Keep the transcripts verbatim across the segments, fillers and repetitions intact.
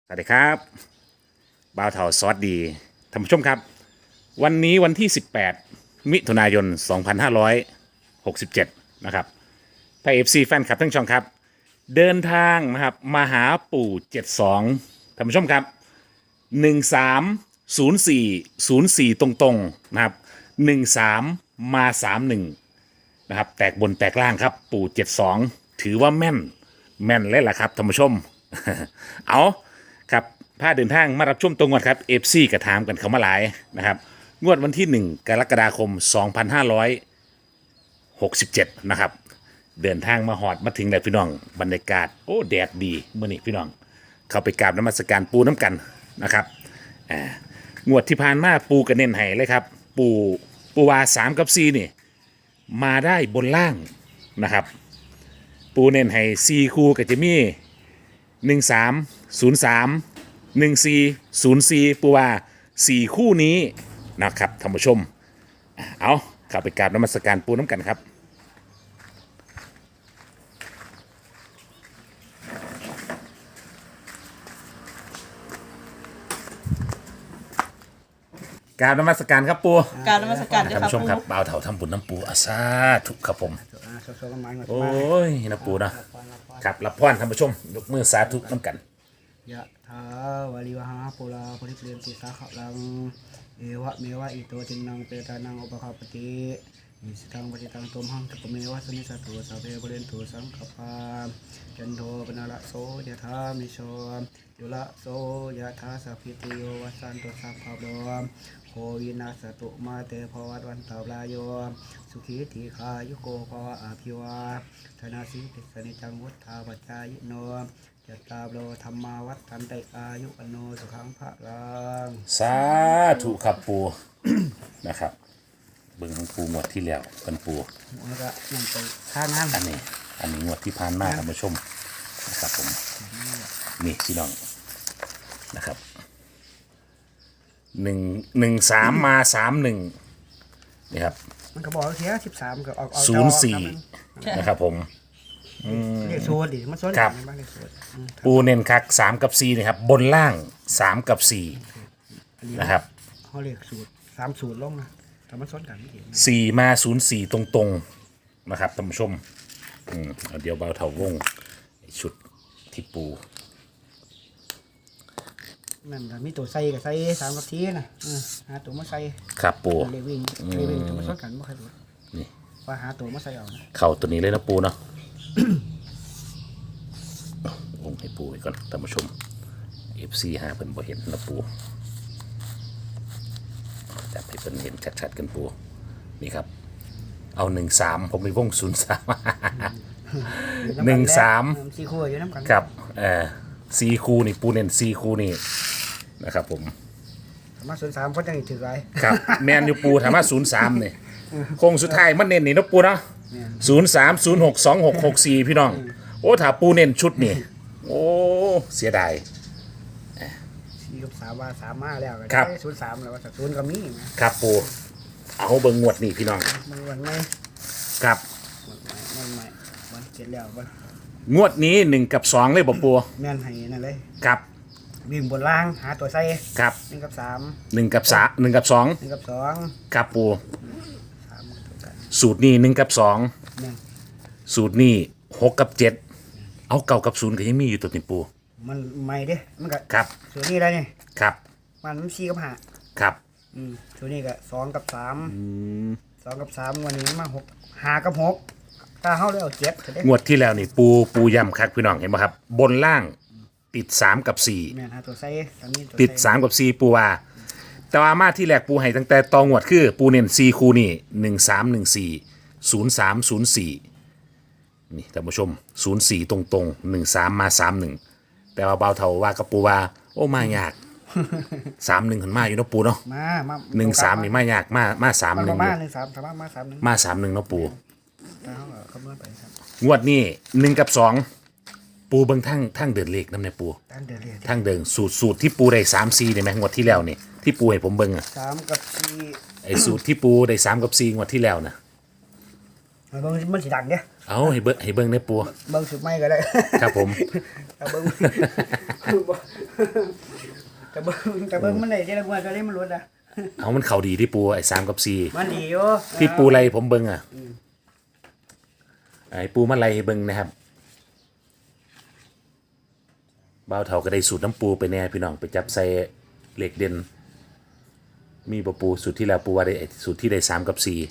สวัสดีครับบ่าวเถาซอสดีท่านผู้ชมครับวันนี้วันที่สิบแปดมิถุนายนสองพันห้าร้อยหกสิบเจ็ดนะครับถ้า เอฟ ซี แฟนคลับทั้งช่องครับเดินทางนะครับมาหาปู่เจ็ดสองท่านผู้ชมครับหนึ่งสามศูนย์สี่ศูนย์สี่ตรงๆนะครับหนึ่งสามมาสามหนึ่งนะครับแตกบนแตกล่างครับปู่เจ็ดสองถือว่าแม่นแม่นเลยล่ะครับท่านผู้ชม เอาครับพาเดินทางมารับชมตรงงวดครับเอฟซีกระถามกันเขามาหลายนะครับงวดวันที่หนึ่งกรกฎาคมสองพันห้าร้อยหกสิบเจ็ดนะครับเดินทางมาหอดมาถึงแล้วพี่น้องบรรยากาศโอ้แดดดีเมื่อนี้พี่น้องเข้าไปกราบนมัสการปูน้ำกันนะครับอ่างวดที่ผ่านมาปูกระเน้นให้เลยครับปูปูวาสามกับซีนี่มาได้บนล่างนะครับปูเน้นให้ซีคูกับเจมี่หนึ่งสามศูนย์สามหนึ่งสี่ศูนย์สี่ปูว่าสี่คู่นี้นะครับท่านผู้ชมเอาเข้าไปกราบนมัสการปูน้ำกันครับกราบนมัสการครับปูกรารนมัสการเจ้าท่านค่ะผู้ชมครับปู่บ่าวเถาทำบุญน้ำปูอาซาทุกครับผมอ่าสดๆละไม้หมดโอ้มายนะปูนะ ครับรับพรท่านผู้ชมยกมือสาธุน้ำกันยะถาวาลิวหาปุราปริเปรนติสาขลังเอวะเมวะอิโตจินังเปตานังอุปคาปติอิสิตังปฏิตังตุมหังทุกเมวะสมิสตุสัพเพปเรนตุสังขปาจันโทปนาละโสยะถามิโชยุละโสยะถาสัพพิติโยวัสสันตุสัพพะโลโควินาสตุมาเตภวัตวันตาลายโยสุขีทีคายุโกภวะอาภิวาธนาสิติสนิจังวุฒาปัจจายโนจตาโลธรรมาวัฏทันติอายุอโนสุขังพระรังสาธุครับปู นะครับเบิ่งของปูงวดที่แล้วเป็นปูแล้วก็นั่งไปท่าน้ำอันนี้ อันนี้งวดที่ผ่านมาท่านผู้ชมนะครับผมนี่พี่น้องนะครับหนึ่งหนึ่งสามมาสามหนึ่งนี่ครับมันก็บอกเทียสิบสามก็ออกออกศูนย์สี่นะครับผมเรียกโซดดิมันโซดครับบ้านเรียกโซดอืมปูเน้นคักสามกับสี่นะครับ บนล่างสามกับสี่นะครับเขาเรียกสูตรสามสูตรลงนะแต่มันโซดกันไม่เห็นสี่มาศูนย์สี่ตรงๆนะครับท่านผู้ชมอืมเอาเดี๋ยวเบาเถาวงไอ้ชุดที่ปูนั่นก็มีตัวใส่กับใส่สามกับทีนะอืมหาตัวมาใส่ครับปูเรียกวิ่งเรียกวิ่งแต่มันโซดกันไม่ค่อยรู้นี่ว่าหาตัวมาใส่เอานะเข่าตัวนี้เลยนะปูเนาะ วงให้ปูไว้ก่อนท่านผู้ชม เอฟ ซี หาเพิ่นบ่เห็นนะปูจับให้เพิ่นเห็นชัดๆกันปูนี่ครับ เอาหนึ่งสามผมมีวงศูนย์สาม หนึ่งสามสี่คู่อยู่น้ำกันกับเอ่อซีคูนี่ปูเน้นซีคูนี่นะครับผมมาศูนย์สามเพราะจังถือไรครับ แมนยูปูถามว่าศูนย์สามเนี่ยโค้งสุดท้ายมันเน้นนี่เนาะปูเนาะศูนย์สามศูนย์หกสองหกหกสี่พี่น้อง โอ้ถ้าปูเน้นชุดนี่โอ้เสียดายสี่กับสามว่าสามมาแล้วครับศูนย์สามแล้วว่าศูนย์ก็มีนะครับปูเอาเบิ่งงวดนี่พี่น้องมันวันไม่ครับมันไม่มันเจ็ดแล้วมันงวดนี้หนึ่งกับสองเลยบ่ปูแม่นให้นั่นเลยครับวิ่งบนล่างหาตัวใส่ครับหนึ่งกับสามหนึ่งกับสามหนึ่งกับสองหนึ่งกับสองครับปูสามกับตัวกันสูตรนี้หนึ่งกับสองแม่นสูตรนี้หกกับเจ็ดเอาเก่ากับศูนย์ก็ยังมีอยู่ตัวนี้ปูมันไม่เด้มันก็ครับส่วนนี้ได้นี่ครับมันมันสี่กับห้าครับอืมส่วนนี้ก็สองกับสามสองกับสามวันนี้มาหกห้ากับหกถ้าเข้าเลยเอาเจ็ดจะได้งวดที่แล้วนี่ปูปูย่ำคักพี่น้องเห็นไหมครับ บนล่างติดสามกับสี่แม่นหาตัวใส่ตอนนี้ตัวติดใส่สามกับสี่ปูว่าแต่ว่ามาที่แรกปูให้ตั้งแต่ตองวดคือ ปูเน้นสี่คูนี่หนึ่งสามหนึ่งสี่ศูนย์สามศูนย์สี่นี่ท่านผู้ชมศูนย์สี่ตรงตรงหนึ่งสามมาสามหนึ่งแต่ว่าเบาเท่าว่ากับปูว่าโอ้มายากสามหนึ่งขันมาอยู่เนาะปูเนาะมามาหนึ่งสามนี่มายากมามาสามมันหนึ่ก็งมาหนึ่งสามสามารถมาสามหนึ่งมาสามหนึ่งเนาะปูถ้าเขาก็คำนวณไปครับงวดนี้หนึ่งกับสองปูเบิ่งทั้งทั้งเดินเลขน้ำในปูตั้งเดือนเรียนทั้งเดินสูตรสูตรที่ปูได้สามซีได้ไหมงวดที่แล้วนี่ที่ปูให้ผมเบิ่งอะสามกับสี่ไอ้สูตรที่ปูได้สามกับสี่งวดที่แล้วนะฮเบิ่งมันสิดังเด้เอาให้เบิ่งให้เบิ่งในปูเบิ่งสุดไม่ก็ได้ครับผมแต่เบิ่งแต่เบิ่งแต่เบิ่งมันได้แต่ละงวดก็ได้มันลดอ่ะเอามันเข่าดีที่ปูไอ้สามกับสี่มันดีอยู่ที่ปูไรผมเบิ่งอ่ะไอ้ปูมาไรให้เบิ่งนะครับบ่าวเฒ่าก็ได้สูตรน้ำปูไปแน่พี่น้องไปจับใส่เหล็กเด่นมีบ่ปูสูตรที่แล้วปูว่าได้สูตรที่ได้สามกับสี่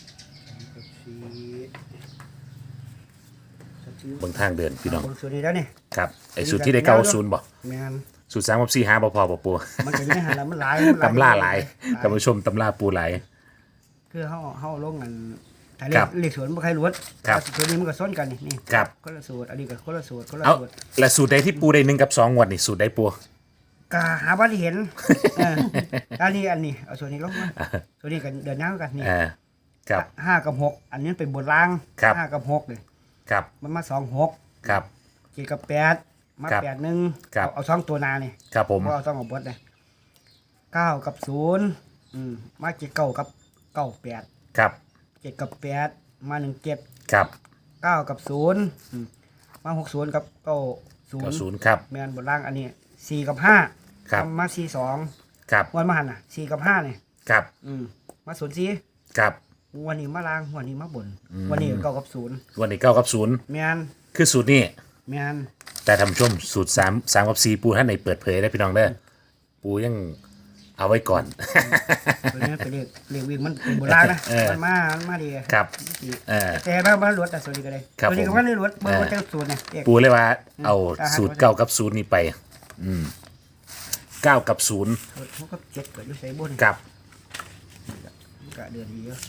เบิ่งทางเดินพี่น้องคนส่วนนี้แล้วนี่ครับไอ้สูตรที่ได้เก้าศูนย์บ่แม่นสูตรสามกับสี่หาบ่พอบ่ปูมันก็ยังหันแล้วมันหลายตำล่าหลายท่านผู้ชมตำล่าปูหลายคือเฮาเฮาลงกันถ้าคเรียรักบเรียกสวนบ่ใครรู้ครับส่วนนี้มันก็ซ้อนกันนี่นี่ครับคนละสูตรอันนี้ก็คนละสูตรคนละเอาสูตรและสูตรใดที่ปูได้หนึ่งกับสองงวดนี่สูตรใดปูก็หาบ่ได้เห็นเอออันนี้อันนี้เอาส่วนนี้ลงมาส่วนนี้กันเดินหน้ากันนี่อ่าครับห้ากับหกอันนี้เป็นบนล่างครับห้ากับหกเลยครับมันมาสองหกครับเจ็ดกับแปดมาครับแปดหนึ่งครับเอาเอาสองตัวหนานี่ครับผมเพราะเอาสองของบดเลยเก้ากับศูนย์อืมมาเจ็ดเก้ากับเก้าแปดครับเจ็ดกับแปดมาหนึ่งเจ็ดครับเก้ากับศูนย์อืมมาหกศูนย์กับเก้าศูนเก้าย์ศูนย์ครับแมนบนล่างอันนี้สี่กับห้าครับมาสี่สองครับวันมาหันอ่ะสี่กับห้าเนี่ยครับอืมมาศูนย์สี่ครับวันนี้มาล่างวันนี้มาบน วันนี้เก้ากับศูนย์วันนี้เก้ากับศูนย์แมนคือสูตรนี้แมนแต่ทำชมสูตรสามสามกับสี่ปูท่านในเปิดเผยได้พี่น้องเด้อปูยังเอาไว้ก่อนตัวนี้เป็นเรียกเรียกวิ่งมันเป็นโบราณนะเออมันมามันมาดีครับเออแต่บ้านบ้านรถแต่ส่วนนี้ก็ได้ครับส่วนนี้ก็ผมบ้านรถเบอร์เออว่าจะสูตรเนี่ยเอกปูเลยว่าเอาอ่าฮะสูตรเก้ากับศูนย์นี่ไป อืมเก้ากับศูนย์สูตรเขาก็เจ็ดเกิดอยู่ใส่บนกับกะเดือนดีเยอะ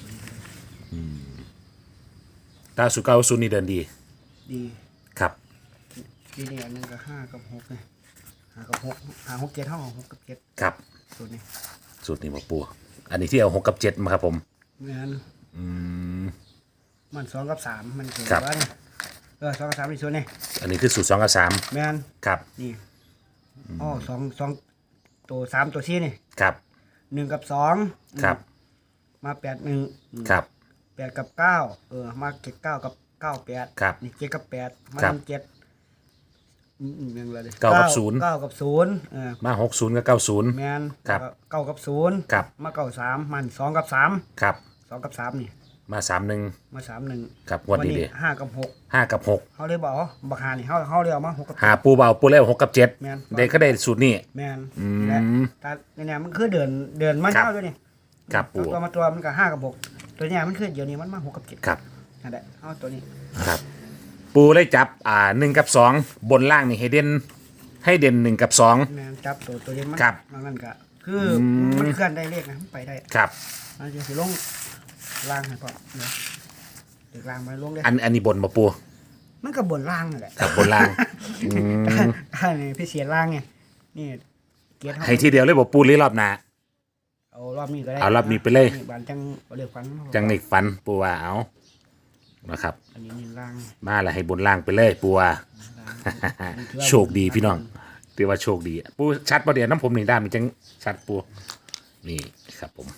ตาสูตรเก้ากับศูนย์นี่เดินดีดีครับทีนี้อันนึงก็ห้ากับหกเนี่ยห้ากับหกห้าหกเจ็ดเท่ากับหกกับเจ็ดครับสูตรนี้สูตรนี้มาปูอันนี้ที่เอาหกกับเจ็ดมาครับผมงั้นอืมมันสองกับสามมันเกิดครับว่าเนี่ยเออสองกับสามในส่วนนี้อันนี้คือสูตรสองกับสามแม่นครับนี่อ๋อสองสองตัวสามตัวสี่นี่ครับหนึ่งกับสองครับมาแปดหนึ่งครับแปดกับเก้าเออมาเจ็ดเก้ากับเก้าแปดครับนี่เจ็ดกับแปดมาครับหนึ่งเจ็ดอืมอืมยังไงเลยเก้ากับศูนย์เก้ากับศูนย์เออมาหกศูนย์กับเก้าศูนย์แมนครับแล้วก็เก้ากับศูนย์ครับมาเก้าสามมันสองกับสามครับสองกับสามนี่มาสามหนึ่งมาสามหนึ่งครับงวันนี้ดิห้ากับหกห้ากับหกเขาเลยบอกอ๋อบักหานี่เขาเขาเรียกมาหกกับหาปูเบาปูเล่หกกับเจ็ดแมนเด็กก็ได้สูตรนี้แมนอืมและแต่เนี่ยมันคือเดินเดินมาครับเท่าด้วยนี่ครับปู่ตัวมาตัวมันก็ห้ากับหกตัวเนี้ยมันคือเดี๋ยวนี้มันมาหกกับเจ็ดครับนั่นแหละเอาตัวนี้ครับ ปูได้จับอ่าหนึ่งกับสองบนล่างนี่ให้เด่นให้เด่นหนึ่งกับสองแมนจับตัวตัวเด่นมันครับมันนั่นก็คืออมมันเคลื่อนได้เลขนะมันไปได้ครับมันจะสิลงล่างให้พอเดี๋ยวเด็กล่างมาลงเลยอันอันนี้บนมาปูมันก็บนล่างนั่นแหละครับบนล่างอืมอันนี้พี่เสียล่างไงนี่เกียร์ให้ทีเดียวเลยบอกปูหรือรอบหน้าเอารอบนี้ก็ได้เอารอบนี้ไปเลยนี่บานจังเอาเรียกฟันจังนิกฟันปูว่าเอานะครับอันนี้นี่ล่างมาแล้วให้บนล่างไปเลยปูว่าล่างโชคดีพี่น้องถือว่าโชคดี ปูชัดประเดี๋ยวน้ำผมหนึ่งด้านมันจังชัดปูนี่ครับผม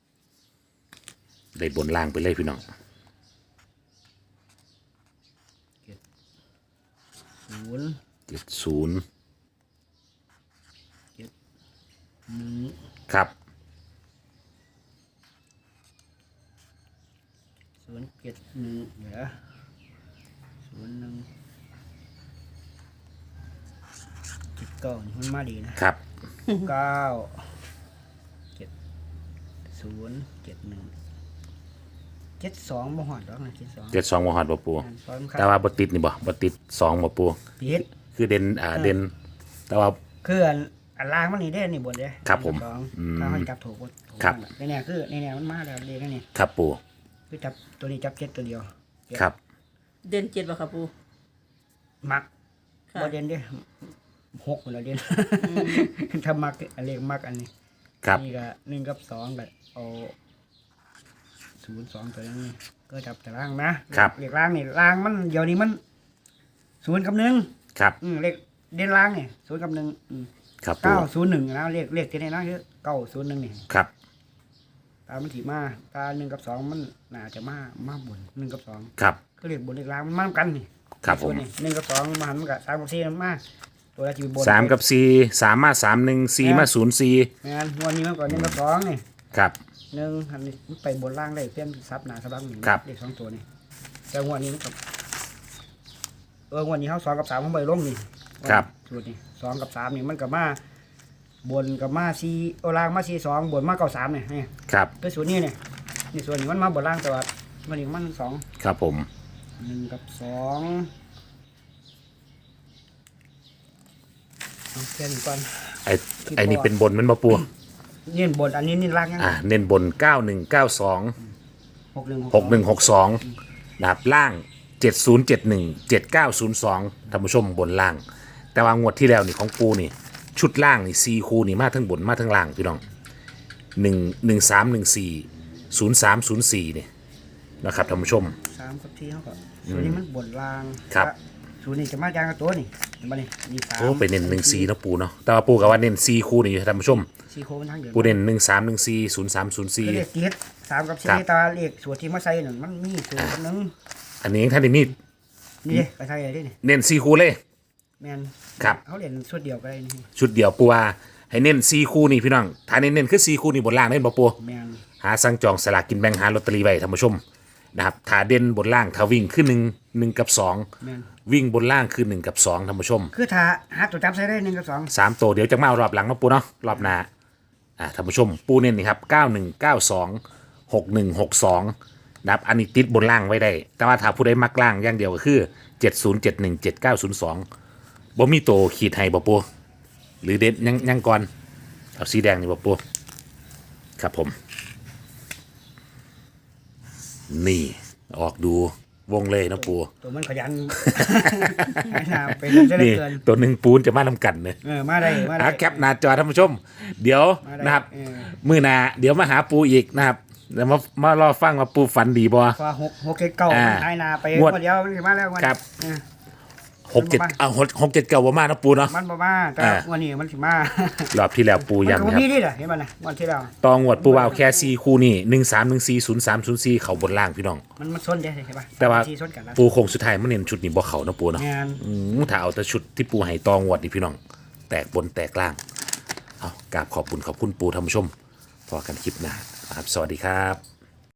ได้บนล่างไปเลยพี่น้องศูนย์เจ็ดศูนย์หนึ่งครับศูนย์เจ็ดหนึ่งเดี๋ยวศูนย์หนึ่งเจ็ดเก้านี่มันมาดีนะครับ เก้าเจ็ดศูนย์เจ็ดหนึ่งเจ็ดสองบ่หอดหรอกนะเจ็ดสองเจ็ดสองมหัดบ่ปูตอนคแต่รับว่าบติดนี่บ่บติดสองบ่ปูผิดคือเด่นอ่าเด่นแต่ว่าคืออันอันล่างมันนี่ได้นี่บนเด้ครับผมสองอืมถ้าให้จับถูกก็ถูกครับในเนี่ยคือในเนี่ยมันมาแล้วเรียกนี่ครับปูคือจับตัวนี้จับเจ็ดตัวเดียวครับเดือนเจ็ดป่ะครับปูมักค่ะบ่เด่นเด้หกคนละเด่นถ้ามักอันเรียกมักอันนี้ครับนี่ก็หนึ่งกับสองก็เอาศูนย์สองตัวนี้ก็จับแต่ล่างนะครับ เรียกล่างนี่ล่างมันเดี๋ยวนี้มันศูนย์กับหนึ่งครับอืมเลขเด่นล่างนี่ศูนย์กับหนึ่งอืมครับปูเก้าศูนย์หนึ่งนะเลขเลขที่ไหนนะคือเก้าศูนย์หนึ่งนี่ครับตามมันถีมาตาหนึ่งกับสองมันน่าจะมามาบนหนึ่งกับสองครับก็เรียกบนเรียกล่างมันมากันนี่ครับผมนี่หนึ่งกับสองมาหันมันกับสามกับสี่มันมาตัวละจีบนสามกับสี่สามมาสามหนึ่งสี่มาศูนย์สี่งานวันนี้มันก่อนหนึ่งกับสองนี่ครับหนึ่งหันนี่มันไปบนล่างได้เพี้ยนซับหนาซับหลังนี่ครับเลขสองตัวนี่แต่งวันนี้มันกับเออวันนี้เขาสองกับสามเขาไปลงนี่ครับสูตรนี่สองกับสามนี่มันกับมาบนกับมาสี่โอล่างมาสี่สองบนมาเก้าสามเนี่ยนี่ครับคือสูตรนี้เนี่ยนี่ส่วนนี้มันมาบนล่างแต่ว่าวันนี้มันสองครับผมหนึ่งกับสองเอาแค่นี้ก่อนไอ้ไอ้นี่เป็นบนมันมาปูนี่บนอันนี้นี่ล่างยังอ่าเน้นบนเก้าหนึ่งเก้าสองหกหนึ่งหกหนึ่งหกสองนะครับล่างเจ็ดศูนย์เจ็ดหนึ่งเจ็ดเก้าศูนย์สองท่านผู้ชมบนล่าง แต่ว่างวดที่แล้วนี่ของปูนี่ชุดล่างนี่ซีคูนี่มาทั้งบนมาทั้งล่างพี่น้องหนึ่งหนึ่งสามหนึ่งสี่ศูนย์สามศูนย์สี่นี่นะครับท่านผู้ชมสามกับที่เขาก็ส่วนนี้มันบนล่างครับส่วนนี้จะมาจางกับตัวนี่เห็นปะนี่นี่สามโอ้ไปเน้นหนึ่งสี่นาะปูเนาะแต่ว่าปูกับว่าเน้นซีคูนี่ท่านผู้ชมสี่โค้งมันทั้งเดียวปูเน้นหนึ่งสามหนึ่งสี่ศูนย์สามศูนย์สี่คือเลขเจ็ดสามกับสี่ครับตาเลขส่วนที่มาใส่นั่นมันมีส่วนหนึงอันนี้ท่านได้มีนี่ไปใส่อะไรนี่เน้นซีคูเลยแมนครับเขาเรียนชุดเดียวก็ได้นี่ชุดเดียวปูว่าให้เน้นซีคูนี่พี่น้องถ้าเน้นเน้นคือซีคูนี่บนล่างเน้นบ่ปูแมนหาสั่งจองสลากกินแบ่งหาลอตเตอรี่ไว้ท่านผู้ชมนะครับถ้าเด่นบนล่างถ้าวิ่งขึ้นหนึ่งหนึ่งกับสองแมนวิ่งบนล่างคือหนึ่งกับสองท่านผู้ชมคือถ้าหาตัวจับใส่ได้หนึ่งกับสองสามตัวเดี๋ยวจะมาเอารอบหลังเนาะปูเนาะรอบหน้าอ่าท่านผู้ชมปูเน้นนี่ครับเก้าหนึ่งเก้าสองหกหนึ่งหกสองนะครับอันนี้ติดบนล่างไว้ได้ แต่ว่าถ้าผู้ใดมักล่างอย่างเดียวก็คือเจ็ดศูนย์เจ็ดหนึ่งเจ็ดเก้าศูนย์สองบ่มีโตวขีดให้บ่ปูหรือเด็ดยังยังก่อนเอาสีแดงนี่บ่ปูครับผม นี่ออกดูวงเลยนะปูตัวมันขยัน ไม่น่าเป็นจะได้นี่เกินตัวหนึ่งปูนจะมาทำกันเลยเออมาได้มาได้อ่ะแคปหน้าจอท่านผู้ชม เดี๋ยวมาได้นะครับเออมือหนาเดี๋ยวมาหาปูอีกนะครับเดี๋ยวมามารอฟังว่าปูฝันดีบ่พอหกหกเจ็ดเก้าอ่าไอ้นาไปงวดคนเดียวมันสิมาแล้ววันครับเออหกเจ็ดเอาหกหกเจ็ดเก้าบ่มานะปูเนาะมันบ่มาแต่อ่าวันนี้มันสิมารอบที่แล้วปูมันย้ำก็นะบ่ครับมีนี่แหละเห็นมันนะวันที่แล้วตองวดปูวาวแค่ซีคู่นี่หนึ่งสามหนึ่งสี่ศูนย์สามศูนย์สี่เขาบนล่างพี่น้องมันมันชนได้ใช่ปะแต่ว่าที่ชนกันแล้วปูโคงสุดท้ายมันเน้นชุดนี้บ่เขานะปูเนาะงานอืมถ้าเอาแต่ชุดที่ปูให้ตองวดนี่พี่น้อง แตกบนแตกล่างเอากราบขอบคุณขอบคุณปูท่านผู้ชมพอกันคลิปหน้านะครับสวัสดีครับ